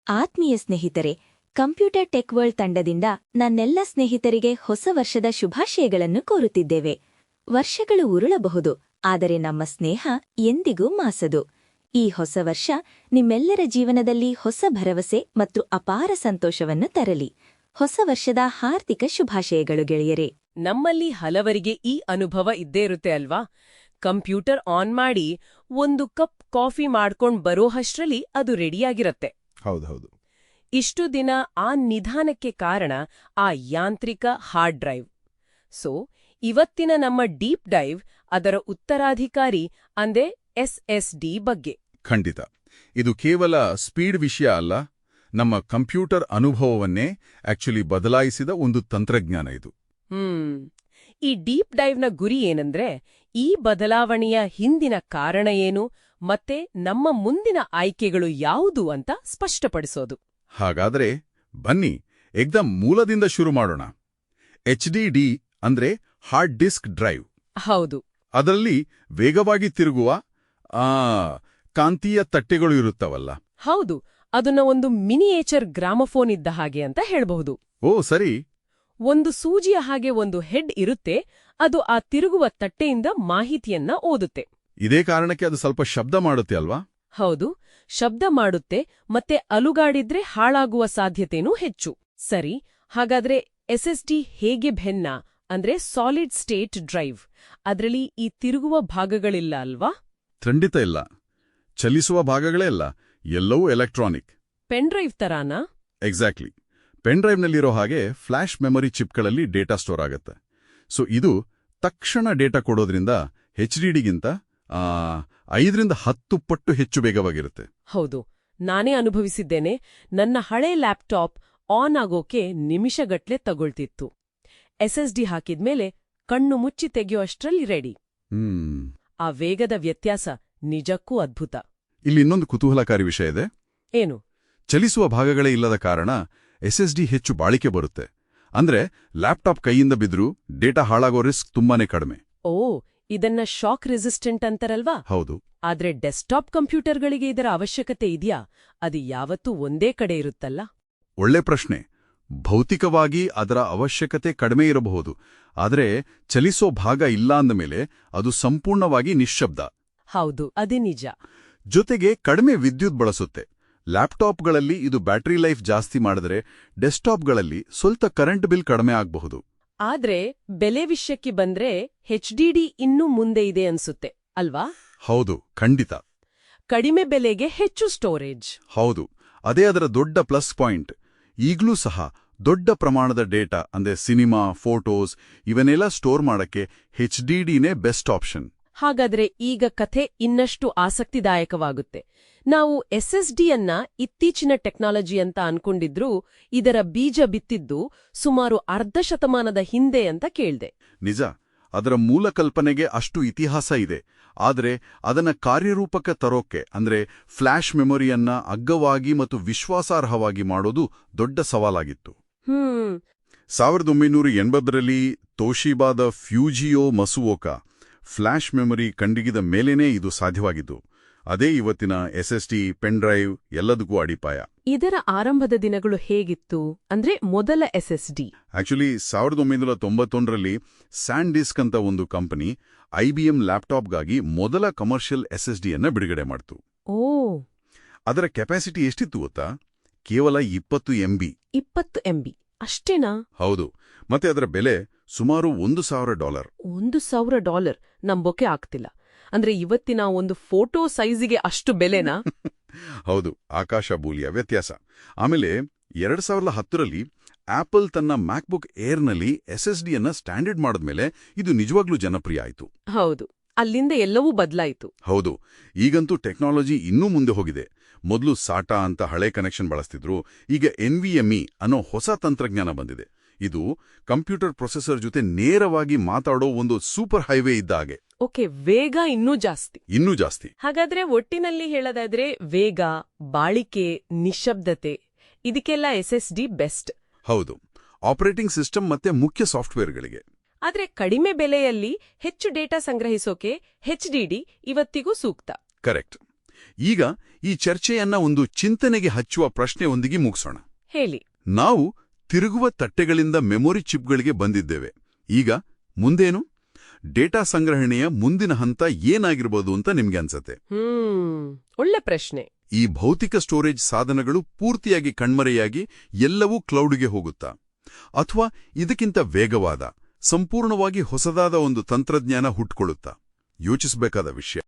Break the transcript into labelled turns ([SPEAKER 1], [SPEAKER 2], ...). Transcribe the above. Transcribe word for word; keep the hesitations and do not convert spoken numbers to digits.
[SPEAKER 1] ಆತ್ಮೀಯ ಸ್ನೇಹಿತರೆ, computer tech world ತಂಡದಿಂದ ನನ್ನೆಲ್ಲ ಸ್ನೇಹಿತರಿಗೆ ಹೊಸ ವರ್ಷದ ಶುಭಾಶಯಗಳನ್ನು ಕೋರುತ್ತಿದ್ದೇವೆ. ವರ್ಷಗಳು ಉರುಳಬಹುದು, ಆದರೆ ನಮ್ಮ ಸ್ನೇಹ ಎಂದಿಗೂ ಮಾಸದು. ಈ ಹೊಸ ವರ್ಷ ನಿಮ್ಮೆಲ್ಲರ ಜೀವನದಲ್ಲಿ ಹೊಸ ಭರವಸೆ ಮತ್ತು ಅಪಾರ ಸಂತೋಷವನ್ನು ತರಲಿ. ಹೊಸ ವರ್ಷದ ಹಾರ್ದಿಕ ಶುಭಾಶಯಗಳು ಗೆಳೆಯರೇ.
[SPEAKER 2] ನಮ್ಮಲ್ಲಿ ಹಲವರಿಗೆ ಈ ಅನುಭವ ಇದ್ದೇ ಇರುತ್ತೆ ಅಲ್ವಾ? ಕಂಪ್ಯೂಟರ್ ಆನ್ ಮಾಡಿ ಒಂದು ಕಪ್ ಕಾಫಿ ಮಾಡ್ಕೊಂಡ್ ಬರೋಹಷ್ಟ್ರಲ್ಲಿ ಅದು ರೆಡಿಯಾಗಿರತ್ತೆ.
[SPEAKER 3] ಹೌದೌದು.
[SPEAKER 2] ಇಷ್ಟು ದಿನ ಆ ನಿಧಾನಕ್ಕೆ ಕಾರಣ ಆ ಯಾಂತ್ರಿಕ ಹಾರ್ಡ್ ಡ್ರೈವ್. ಸೊ ಇವತ್ತಿನ ನಮ್ಮ ಡೀಪ್ ಡೈವ್ ಅದರ ಉತ್ತರಾಧಿಕಾರಿ ಅಂದ್ರೆ ಎಸ್ ಎಸ್ ಡಿ ಬಗ್ಗೆ.
[SPEAKER 3] ಖಂಡಿತ. ಇದು ಕೇವಲ ಸ್ಪೀಡ್ ವಿಷಯ ಅಲ್ಲ, ನಮ್ಮ ಕಂಪ್ಯೂಟರ್ ಅನುಭವವನ್ನೇ ಆಕ್ಚುಲಿ ಬದಲಾಯಿಸಿದ ಒಂದು ತಂತ್ರಜ್ಞಾನ ಇದು.
[SPEAKER 2] ಹ್ಮ್ ಈ ಡೀಪ್ ಡೈವ್ನ ಗುರಿ ಏನಂದ್ರೆ ಈ ಬದಲಾವಣೆಯ ಹಿಂದಿನ ಕಾರಣ ಏನು ಮತ್ತೆ ನಮ್ಮ ಮುಂದಿನ ಆಯ್ಕೆಗಳು ಯಾವುದು ಅಂತ ಸ್ಪಷ್ಟಪಡಿಸೋದು.
[SPEAKER 3] ಹಾಗಾದ್ರೆ ಬನ್ನಿ ಏಕ್ದಮ್ ಮೂಲದಿಂದ ಶುರು ಮಾಡೋಣ. ಎಚ್ ಡಿ ಡಿ ಅಂದ್ರೆ ಹಾರ್ಡ್ ಡಿಸ್ಕ್ ಡ್ರೈವ್.
[SPEAKER 2] ಹೌದು.
[SPEAKER 3] ಅದರಲ್ಲಿ ವೇಗವಾಗಿ ತಿರುಗುವ ಆ ಕಾಂತೀಯ ತಟ್ಟೆಗಳು ಇರುತ್ತವಲ್ಲ.
[SPEAKER 2] ಹೌದು, ಅದನ್ನ ಒಂದು ಮಿನಿಯೇಚರ್ ಗ್ರಾಮಫೋನ್ ಇದ್ದ ಹಾಗೆ ಅಂತ ಹೇಳ್ಬಹುದು.
[SPEAKER 3] ಓ ಸರಿ.
[SPEAKER 2] ಒಂದು ಸೂಜಿಯ ಹಾಗೆ ಒಂದು ಹೆಡ್ ಇರುತ್ತೆ, ಅದು ಆ ತಿರುಗುವ ತಟ್ಟೆಯಿಂದ ಮಾಹಿತಿಯನ್ನ ಓದುತ್ತೆ.
[SPEAKER 3] ಇದೇ ಕಾರಣಕ್ಕೆ ಅದು ಸ್ವಲ್ಪ ಶಬ್ದ ಮಾಡುತ್ತೆ ಅಲ್ವಾ?
[SPEAKER 2] ಹೌದು, ಶಬ್ದ ಮಾಡುತ್ತೆ ಮತ್ತೆ ಅಲುಗಾಡಿದ್ರೆ ಹಾಳಾಗುವ ಸಾಧ್ಯತೆನೂ ಹೆಚ್ಚು. ಸರಿ, ಹಾಗಾದ್ರೆ ಎಸ್ ಎಸ್ ಡಿ ಹೇಗೆ ಭಿನ್ನ ಅಂದ್ರೆ ಸಾಲಿಡ್ ಸ್ಟೇಟ್ ಡ್ರೈವ್? ಅದ್ರಲ್ಲಿ ಈ ತಿರುಗುವ ಭಾಗಗಳಿಲ್ಲ ಅಲ್ವಾ?
[SPEAKER 3] ಖಂಡಿತ ಇಲ್ಲ. ಚಲಿಸುವ ಭಾಗಗಳೇ ಇಲ್ಲ, ಎಲ್ಲವೂ ಎಲೆಕ್ಟ್ರಾನಿಕ್.
[SPEAKER 2] ಪೆನ್ ಡ್ರೈವ್ ತರಾನಾ?
[SPEAKER 3] ಎಕ್ಸಾಕ್ಟ್ಲಿ. ಪೆನ್ ಡ್ರೈವ್ನಲ್ಲಿರೋ ಹಾಗೆ ಫ್ಲಾಶ್ ಮೆಮೊರಿ ಚಿಪ್ಗಳಲ್ಲಿ ಡೇಟಾ ಸ್ಟೋರ್ ಆಗುತ್ತೆ. ಸೊ ಇದು ತಕ್ಷಣ ಡೇಟಾ ಕೊಡೋದ್ರಿಂದ ಎಚ್ ಡಿ ಡಿಗಿಂತ ಐದರಿಂದ ಹತ್ತು ಪಟ್ಟು ಹೆಚ್ಚು ವೇಗವಾಗಿರುತ್ತೆ.
[SPEAKER 2] ಹೌದು, ನಾನೇ ಅನುಭವಿಸಿದ್ದೇನೆ. ನನ್ನ ಹಳೆ ಲ್ಯಾಪ್ಟಾಪ್ ಆನ್ ಆಗೋಕೆ ನಿಮಿಷಗಟ್ಲೆ ತಗೊಳ್ತಿತ್ತು. ಎಸ್ ಎಸ್ ಡಿ ಹಾಕಿದ್ಮೇಲೆ ಕಣ್ಣು ಮುಚ್ಚಿ ತೆಗೆಯುವಷ್ಟರಲ್ಲಿ ರೆಡಿ.
[SPEAKER 3] ಹ್ಮ್
[SPEAKER 2] ಆ ವೇಗದ ವ್ಯತ್ಯಾಸ ನಿಜಕ್ಕೂ ಅದ್ಭುತ.
[SPEAKER 3] ಇಲ್ಲಿ ಇನ್ನೊಂದು ಕುತೂಹಲಕಾರಿ ವಿಷಯ ಇದೆ.
[SPEAKER 2] ಏನು?
[SPEAKER 3] ಚಲಿಸುವ ಭಾಗಗಳೇ ಇಲ್ಲದ ಕಾರಣ ಎಸ್ ಎಸ್ ಡಿ ಹೆಚ್ಚು ಬಾಳಿಕೆ ಬರುತ್ತೆ. ಅಂದ್ರೆ ಲ್ಯಾಪ್ಟಾಪ್ ಕೈಯಿಂದ ಬಿದ್ರೂ ಡೇಟಾ ಹಾಳಾಗೋ ರಿಸ್ಕ್ ತುಂಬಾನೇ ಕಡಿಮೆ.
[SPEAKER 2] ಓ, ಇದನ್ನ ಶಾಕ್ ರೆಸಿಸ್ಟೆಂಟ್ ಅಂತಾರಲ್ವಾ?
[SPEAKER 3] ಹೌದು.
[SPEAKER 2] ಆದ್ರೆ ಡೆಸ್ಕ್ಟಾಪ್ ಕಂಪ್ಯೂಟರ್ಗಳಿಗೆ ಇದರ ಅವಶ್ಯಕತೆ ಇದೆಯಾ? ಅದು ಯಾವತ್ತೂ ಒಂದೇ ಕಡೆ ಇರುತ್ತಲ್ಲ?
[SPEAKER 3] ಒಳ್ಳೆ ಪ್ರಶ್ನೆ. ಭೌತಿಕವಾಗಿ ಅದರ ಅವಶ್ಯಕತೆ ಕಡಿಮೆ ಇರಬಹುದು, ಆದರೆ ಚಲಿಸೋ ಭಾಗ ಇಲ್ಲ ಅಂದಮೇಲೆ ಅದು ಸಂಪೂರ್ಣವಾಗಿ ನಿಶ್ಶಬ್ದ.
[SPEAKER 2] ಹೌದು, ಅದೇ ನಿಜ.
[SPEAKER 3] ಜೊತೆಗೆ ಕಡಿಮೆ ವಿದ್ಯುತ್ ಬಳಸುತ್ತೆ. ಲ್ಯಾಪ್ಟಾಪ್ಗಳಲ್ಲಿ ಇದು ಬ್ಯಾಟರಿ ಲೈಫ್ ಜಾಸ್ತಿ ಮಾಡಿದ್ರೆ ಡೆಸ್ಕ್ಟಾಪ್ಗಳಲ್ಲಿ ಸ್ವಲ್ಪ ಕರೆಂಟ್ ಬಿಲ್ ಕಡಿಮೆ ಆಗಬಹುದು.
[SPEAKER 2] ಆದ್ರೆ ಬೆಲೆ ವಿಷಯಕ್ಕೆ ಬಂದ್ರೆ ಎಚ್ ಡಿ ಡಿ ಇನ್ನೂ ಮುಂದೆ ಇದೆ ಅನ್ಸುತ್ತೆ ಅಲ್ವಾ?
[SPEAKER 3] ಹೌದು, ಖಂಡಿತ.
[SPEAKER 2] ಕಡಿಮೆ ಬೆಲೆಗೆ ಹೆಚ್ಚು ಸ್ಟೋರೇಜ್.
[SPEAKER 3] ಹೌದು, ಅದೇ ಅದರ ದೊಡ್ಡ ಪ್ಲಸ್ ಪಾಯಿಂಟ್. ಈಗ್ಲೂ ಸಹ ದೊಡ್ಡ ಪ್ರಮಾಣದ ಡೇಟಾ ಅಂದ್ರೆ ಸಿನಿಮಾ, ಫೋಟೋಸ್ ಇವನ್ನೆಲ್ಲ ಸ್ಟೋರ್ ಮಾಡಕ್ಕೆ ಎಚ್ ಡಿ ಡಿನೇ ಬೆಸ್ಟ್ ಆಪ್ಷನ್.
[SPEAKER 2] ಹಾಗಾದ್ರೆ ಈಗ ಕಥೆ ಇನ್ನಷ್ಟು ಆಸಕ್ತಿದಾಯಕವಾಗುತ್ತೆ. ನಾವು ಎಸ್ ಎಸ್ ಡಿಯನ್ನ ಇತ್ತೀಚಿನ ಟೆಕ್ನಾಲಜಿ ಅಂತ ಅನ್ಕೊಂಡಿದ್ರೂ ಇದರ ಬೀಜ ಬಿತ್ತಿದ್ದು ಸುಮಾರು ಅರ್ಧ ಶತಮಾನದ ಹಿಂದೆ ಅಂತ ಕೇಳ್ದೆ.
[SPEAKER 3] ನಿಜ, ಅದರ ಮೂಲ ಕಲ್ಪನೆಗೆ ಅಷ್ಟು ಇತಿಹಾಸ ಇದೆ. ಆದರೆ ಅದನ್ನ ಕಾರ್ಯರೂಪಕ್ಕೆ ತರೋಕೆ ಅಂದ್ರೆ ಫ್ಲಾಶ್ ಮೆಮೊರಿಯನ್ನ ಅಗ್ಗವಾಗಿ ಮತ್ತು ವಿಶ್ವಾಸಾರ್ಹವಾಗಿ ಮಾಡೋದು ದೊಡ್ಡ ಸವಾಲಾಗಿತ್ತು.
[SPEAKER 2] ಹ್ಮ್
[SPEAKER 3] ಸಾವಿರದ ಒಂಬೈನೂರ ಎಂಬತ್ತರಲ್ಲಿ ತೋಶಿಬಾದ ಫ್ಯೂಜಿಯೋ ಮಸುವೋಕಾ ಫ್ಲಾಶ್ ಮೆಮೊರಿ ಕಂಡಿಗಿದ ಮೇಲೇನೇ ಇದು ಸಾಧ್ಯವಾಗಿದ್ದು. ಅದೇ ಇವತ್ತಿನ S S D, pen drive ಎಲ್ಲದಕ್ಕೂ ಅಡಿಪಾಯ.
[SPEAKER 2] ಇದರ ಆರಂಭದ ದಿನಗಳು ಹೇಗಿತ್ತು ಅಂದ್ರೆ ಮೊದಲ ಎಸ್ ಎಸ್ ಡಿ?
[SPEAKER 3] ಆಕ್ಚುಲಿ ಸಾವಿರದ ಒಂಬೈನೂರ ತೊಂಬತ್ತೊಂದರಲ್ಲಿ ಸ್ಯಾನ್ ಡಿಸ್ಕ್ ಅಂತ ಒಂದು ಕಂಪನಿ ಐಬಿಎಂ ಲ್ಯಾಪ್ಟಾಪ್ಗಾಗಿ ಮೊದಲ ಕಮರ್ಷಿಯಲ್ ಎಸ್ ಎಸ್ ಡಿಯನ್ನ ಬಿಡುಗಡೆ ಮಾಡ್ತು.
[SPEAKER 2] ಓ,
[SPEAKER 3] ಅದರ ಕೆಪಾಸಿಟಿ ಎಷ್ಟಿತ್ತು ಗೊತ್ತಾ? ಕೇವಲ ಇಪ್ಪತ್ತು ಎಂಬಿ.
[SPEAKER 2] ಇಪ್ಪತ್ತು ಎಂಬಿ ಅಷ್ಟೇನಾ?
[SPEAKER 3] ಹೌದು, ಮತ್ತೆ ಅದರ ಬೆಲೆ ಸುಮಾರು ಒಂದು ಸಾವಿರ ಡಾಲರ್.
[SPEAKER 2] ಒಂದು ಸಾವಿರ ಡಾಲರ್ ನಂಬೋಕೆ ಆಗ್ತಿಲ್ಲ. ಅಂದ್ರೆ ಇವತ್ತಿನ ಒಂದು ಫೋಟೋ ಸೈಜಿಗೆ ಅಷ್ಟು ಬೆಲೆನಾ?
[SPEAKER 3] ಹೌದು, ಆಕಾಶ ಭೂಲಿಯ ವ್ಯತ್ಯಾಸ. ಆಮೇಲೆ ಎರಡ್ ಸಾವಿರದ ಹತ್ತರಲ್ಲಿ ಆಪಲ್ ತನ್ನ ಮ್ಯಾಕ್ಬುಕ್ ಏರ್ನಲ್ಲಿ ಎಸ್ ಎಸ್ ಡಿಯನ್ನ ಸ್ಟ್ಯಾಂಡರ್ಡ್ ಮಾಡಿದ್ಮೇಲೆ ಇದು ನಿಜವಾಗ್ಲೂ ಜನಪ್ರಿಯ ಆಯಿತು.
[SPEAKER 2] ಹೌದು, ಅಲ್ಲಿಂದ ಎಲ್ಲವೂ ಬದಲಾಯಿತು.
[SPEAKER 3] ಹೌದು, ಈಗಂತೂ ಟೆಕ್ನಾಲಜಿ ಇನ್ನೂ ಮುಂದೆ ಹೋಗಿದೆ. ಮೊದಲು ಸಾಟಾ ಅಂತ ಹಳೆ ಕನೆಕ್ಷನ್ ಬಳಸ್ತಿದ್ರು, ಈಗ ಎನ್ ವಿ ಎಂ ಇ ಅನ್ನೋ ಹೊಸ ತಂತ್ರಜ್ಞಾನ ಬಂದಿದೆ. ಇದು ಕಂಪ್ಯೂಟರ್ ಪ್ರೊಸೆಸರ್ ಜೊತೆ ನೇರವಾಗಿ ಮಾತಾಡೋ ಒಂದು ಸೂಪರ್ ಹೈವೇ ಇದ್ದ ಹಾಗೆ.
[SPEAKER 2] ಓಕೆ, ವೇಗ ಇನ್ನೂ ಜಾಸ್ತಿ.
[SPEAKER 3] ಇನ್ನೂ ಜಾಸ್ತಿ.
[SPEAKER 2] ಹಾಗಾದ್ರೆ ಒಟ್ಟಿನಲ್ಲಿ ಹೇಳೋದಾದ್ರೆ ವೇಗ, ಬಾಳಿಕೆ, ನಿಶ್ಶಬ್ದತೆ ಇದಕ್ಕೆಲ್ಲ ಎಸ್ ಎಸ್ ಡಿ ಬೆಸ್ಟ್.
[SPEAKER 3] ಹೌದು, ಆಪರೇಟಿಂಗ್ ಸಿಸ್ಟಮ್ ಮತ್ತೆ ಮುಖ್ಯ ಸಾಫ್ಟ್ವೇರ್ಗಳಿಗೆ.
[SPEAKER 2] ಆದ್ರೆ ಕಡಿಮೆ ಬೆಲೆಯಲ್ಲಿ ಹೆಚ್ಚು ಡೇಟಾ ಸಂಗ್ರಹಿಸೋಕೆ ಎಚ್ ಡಿ ಡಿ ಇವತ್ತಿಗೂ ಸೂಕ್ತ.
[SPEAKER 3] ಕರೆಕ್ಟ್. ಈಗ ಈ ಚರ್ಚೆಯನ್ನ ಒಂದು ಚಿಂತನೆಗೆ ಹಚ್ಚುವ ಪ್ರಶ್ನೆಯೊಂದಿಗೆ ಮುಗಿಸೋಣ.
[SPEAKER 2] ಹೇಳಿ.
[SPEAKER 3] ನಾವು ತಿರುಗುವ ತಟ್ಟೆಗಳಿಂದ ಮೆಮೊರಿ ಚಿಪ್ಗಳಿಗೆ ಬಂದಿದ್ದೇವೆ. ಈಗ ಮುಂದೇನು? ಡೇಟಾ ಸಂಗ್ರಹಣೆಯ ಮುಂದಿನ ಹಂತ ಏನಾಗಿರ್ಬೋದು ಅಂತ ನಿಮ್ಗೆ ಅನ್ಸತ್ತೆ?
[SPEAKER 2] ಹ್ಮ್ ಒಳ್ಳೆ ಪ್ರಶ್ನೆ.
[SPEAKER 3] ಈ ಭೌತಿಕ ಸ್ಟೋರೇಜ್ ಸಾಧನಗಳು ಪೂರ್ತಿಯಾಗಿ ಕಣ್ಮರೆಯಾಗಿ ಎಲ್ಲವೂ ಕ್ಲೌಡ್ಗೆ ಹೋಗುತ್ತಾ? ಅಥವಾ ಇದಕ್ಕಿಂತ ವೇಗವಾದ, ಸಂಪೂರ್ಣವಾಗಿ ಹೊಸದಾದ ಒಂದು ತಂತ್ರಜ್ಞಾನ ಹುಟ್ಕೊಳ್ಳುತ್ತಾ? ಯೋಚಿಸಬೇಕಾದ ವಿಷಯ.